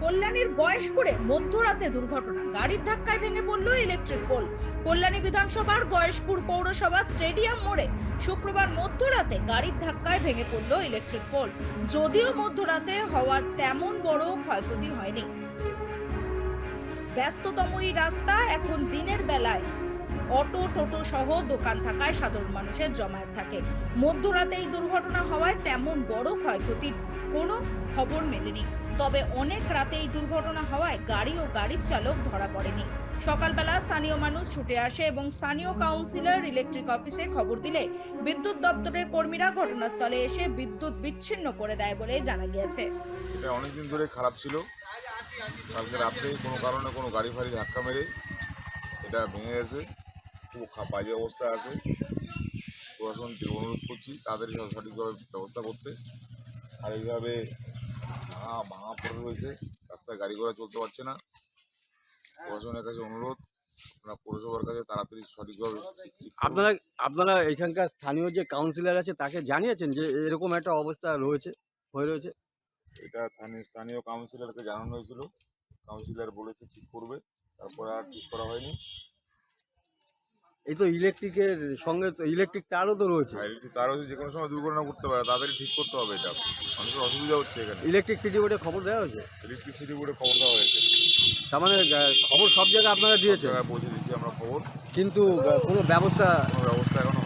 কল্যাণীর গয়েশপুরে মধ্যরাতে দুর্ঘটনা, গাড়ির ধাক্কায় ভেঙে পড়ল ইলেকট্রিক পোল। কল্যাণী বিধানসভার গয়েশপুর পৌরসভা স্টেডিয়াম মোড়ে শুক্রবার মধ্যরাতে গাড়ির ধাক্কায় ভেঙে পড়ল ইলেকট্রিক পোল। যদিও মধ্যরাতে হওয়ার তেমন বড় ক্ষয়ক্ষতি হয়নি। ব্যস্ততম এই রাস্তা এখন দিনের বেলায় অটো টোটো সহ দোকান থাকায় সাধারণ মানুষের জমায়েত থাকে। মধ্যরাতে এই দুর্ঘটনা হওয়ায় তেমন বড় ক্ষয়ক্ষতির কোনো খবর মেলেনি। তবে অনেক রাতে এই দুর্ঘটনা হওয়ায় গাড়ি ও গাড়ির চালক ধরা পড়েনি। সকালবেলা স্থানীয় মানুষ ছুটে আসে এবং স্থানীয় কাউন্সিলর ইলেকট্রিক অফিসে খবর দিলে বিদ্যুৎ দপ্তরের কর্মীরা ঘটনাস্থলে এসে বিদ্যুৎ বিচ্ছিন্ন করে দেয় বলে জানা গিয়েছে। এটা অনেকদিন ধরে খারাপ ছিল। কালকে রাত্রে কোনো কারণে কোনো গাড়ি ফাড়ি ধাক্কা মেরে এটা ভেঙে গেছে, খুব বাজে অবস্থা আছে। প্রশাসনকে অনুরোধ করছি তাদের সঠিকভাবে ব্যবস্থা করতে। আর এইভাবে ভাঙা পড়ে রয়েছে, রাস্তায় গাড়ি ঘোড়া চলতে পারছে না। প্রশাসনের কাছে অনুরোধ, আপনারা পৌরসভার কাছে তাড়াতাড়ি সঠিকভাবে। আপনারা এখানকার স্থানীয় যে কাউন্সিলর আছে তাকে জানিয়েছেন যে এরকম একটা অবস্থা হয়ে রয়েছে? এটা স্থানীয় কাউন্সিলরকে জানানো হয়েছিল, কাউন্সিলর বলেছে ঠিক করবে, তারপর আর ঠিক করা হয়নি। এই তো ইলেকট্রিকের সঙ্গে তো ইলেকট্রিক তারও তো রয়েছে। তার হচ্ছে যে কোনো সময় দুর্ঘটনা করতে পারে, তাদেরই ঠিক করতে হবে। এটা মানুষের অসুবিধা হচ্ছে। এখানে ইলেকট্রিসিটি বোর্ডে খবর দেওয়া হয়েছে, ইলেকট্রিসিটি বোর্ডে খবর দেওয়া হয়েছে। তার মানে খবর সব জায়গায় আপনারা দিয়েছেন, পৌঁছে দিচ্ছি আমরা খবর, কিন্তু কোনো ব্যবস্থা এখনো